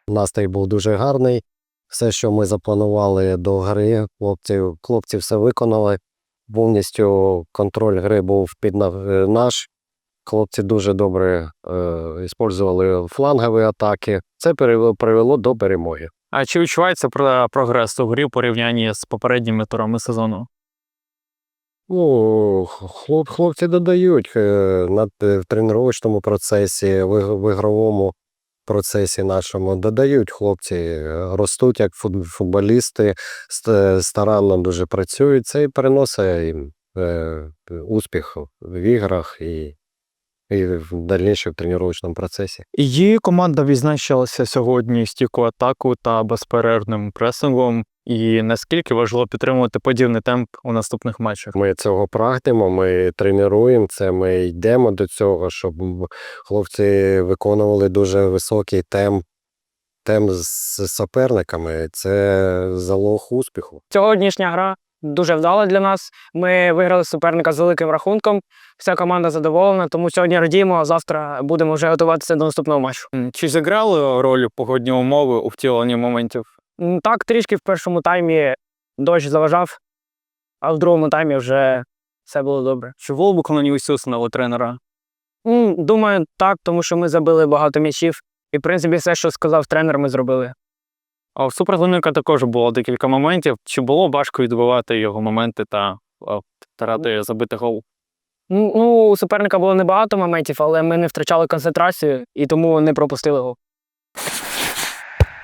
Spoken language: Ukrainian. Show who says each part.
Speaker 1: Настрій був дуже гарний. Все, що ми запланували до гри, хлопці все виконали. Повністю контроль гри був під наш. Хлопці дуже добре використовували флангові атаки. Це привело до перемоги.
Speaker 2: А чи відчувається прогрес у грі в порівнянні з попередніми турами сезону?
Speaker 1: Ну, хлопці додають в тренувальному процесі, в ігровому процесі нашому додають хлопці, ростуть як футболісти, старанно дуже працюють. Це і приносить їм успіх в іграх і в дальнішому тренувальному процесі.
Speaker 2: Її команда відзначилася сьогодні стійкою атаку та безперервним пресингом. І наскільки важливо підтримувати подібний темп у наступних матчах?
Speaker 1: Ми цього прагнемо, ми тренуємо це, ми йдемо до цього, щоб хлопці виконували дуже високий темп з суперниками. Це залог успіху.
Speaker 3: Сьогоднішня гра дуже вдала для нас. Ми виграли суперника з великим рахунком. Вся команда задоволена, тому сьогодні радіємо, а завтра будемо вже готуватися до наступного матчу.
Speaker 2: Чи зіграли роль погодні умови у втіленні моментів?
Speaker 3: Так, трішки в першому таймі дощ заважав, а в другому таймі вже все було добре.
Speaker 2: Чи було виконані усі установи тренера?
Speaker 3: Думаю, так, тому що ми забили багато м'ячів. І, в принципі, все, що сказав тренер, ми зробили.
Speaker 2: А у супротивника також було декілька моментів. Чи було важко відбивати його моменти та старати забити гол?
Speaker 3: У суперника було небагато моментів, але ми не втрачали концентрацію і тому не пропустили гол.